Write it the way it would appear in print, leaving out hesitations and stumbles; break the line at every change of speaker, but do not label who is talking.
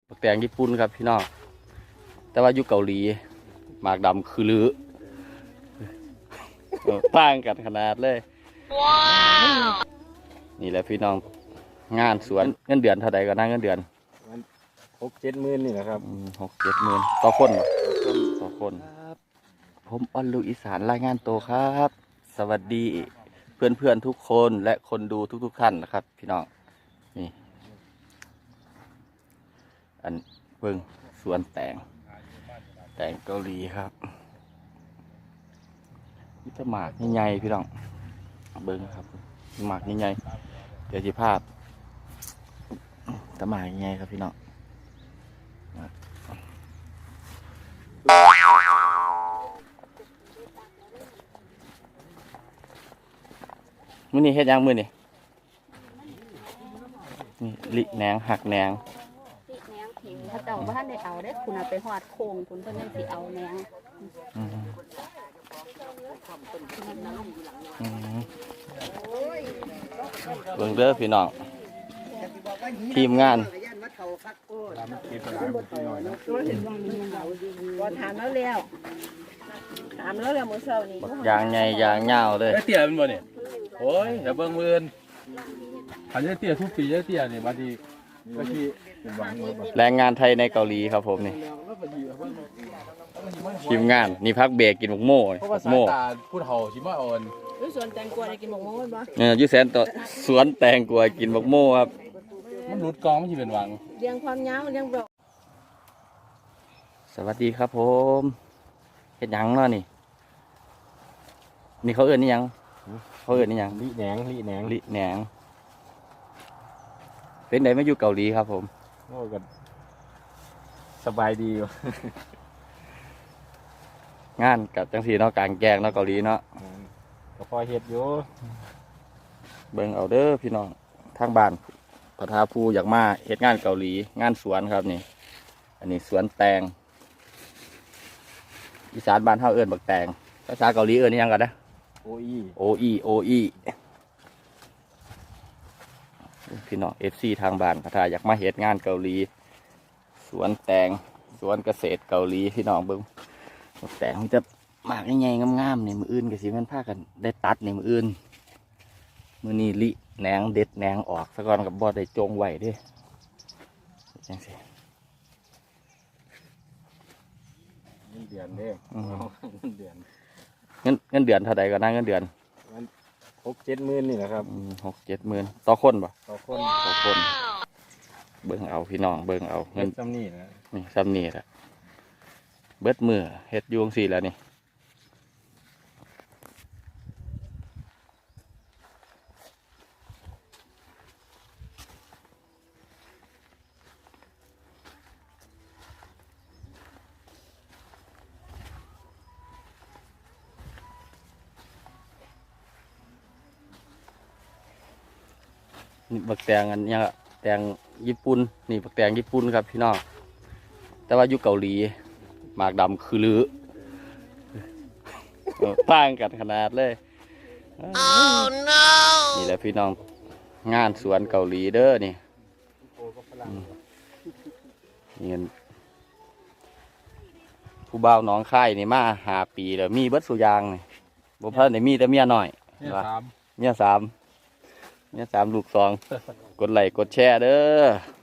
บักแตงญี่ปุ่นครับพี่น้องแต่ว่าอยู่เกาหลีหมากดำคือลือต่างกันขนาดเลยว้าวนี่แหละพี่น้องงานสวนเงินเดือนเท่าใดก็นั่งเงินเดือน
6-7 หมื่นนี่แหละครับ
6-7 หมื่นต่อคนต่อคนผมออนลูกอีสานรายงานตัวครับ สวัสดีเพื่อนๆทุกคนและคนดูทุกท่านนะครับพี่น้องนี่อันเบิ่งสวนแตงเกาหลีครับนี่จะหมากใหญ่ๆพี่น้องเบิ่งครับหมากใหญ่ๆเดี๋ยวจะภาพตะหมากใหญ่ครับพี่น้องมื้อนี้เฮ็ดยังมื้อนี้นี่ลิแหนงหักแหนง
ติแหนงถิงถ้าเจ้าบ้านได้เอาได้คุณเอาไปหอดโค้งคุณเพิ่นยังสิเอาแหนง
เบิ่งเด้อพี่น้องทีมงาน
ถามแล้วมื้อเช้านี้
ยางใหญ่ยางยาวเลย
เตี้ยเป็นบ่เนี่ยโอ้ยอย่าเบิ่งมือขันเตี้ยทุกปีเตี้ยเนี่ยบางทีเป็นหวัง
แรงงานไทยในเกาหลีครับผมนี่ทีมงานนี่พักเบรกกินหมกโม่
โม่พูดเห่าชิมาอ่อน
สวนแตงกวาได้กินหมกโม่บ่
อยู่แสนต่อสวนแตงกวากินหมกโม่ครับ
มันรุดกองมันสิเป็นหวัง
เรียงความยาวเรียงเบา
สวัสดีครับผมเฮ็ดหยังเนาะนี่เขาเอิ้นนี่หยัง
ลิแหนง
เป็นไดมาอยู่เกาหลีครับผม
โอ้ก็สบายดี
งานกับจังสีเนาะกลางแจ้งเนาะเกาหลีเนาะ
ก็พอเฮ็ดอยู่
เบิ่งเอาเด้อพี่น้องทางบ้านพระทาภูอยากมาเฮ็ดงานเกาหลีงานสวนครับนี่อันนี้สวนแตงอีสานบ้านเฮาเอิ้นบักแตงภาษาเกาหลีเอิ้นนี่หยังกันนะ
โอ
อีพี่น้อง FC ทางบ้านพระทาอยากมาเฮ็ดงานเกาหลีสวนแตงสวนเกษตรเกาหลีพี่น้องเบิ่งแต่มันจะหมากใหญ่ๆงามๆนี่มืออื่นก็สิแม่นพากันได้ตัดนี่มืออื่นมื้อนี้ลิแหนงเด็ดแหนงออกซะก่อนกับบ่ได้จงไว้เด้จังซี่
เงินเดือนเด้เงินเดื
อนเท่าใดก็นั่งเงินเดือน
6-7 หมื่นนี่แหละครับ
6-7 หมื่นต่อคนบ่
ต่อคน
เบิ่งเอาพี่น้องเบิ่งเอา
เงินซ้ำนี่นะ
นี่ซ้ำนี่แหละเบิดมือเฮ็ดอยู่จังซี่แล้วนี่นี่บักแตงอันนี้แตงญี่ปุ่นนี่บักแตงญี่ปุ่นครับพี่น้องแต่ว่าอยู่เกาหลีหมากดำคือลือต่างกันขนาดเลยนี่แหละพี่น้องงานสวนเกาหลีเด้อนี่เงินผู้บ่าวน้องค่ายนี่มา5 ปีแล้วมีเบิดสุยางนี่บ่เพิ่นได้มีแต่เมียน้อยเมีย 3 ลูก 2 กดไลค์กดแชร์เด้อ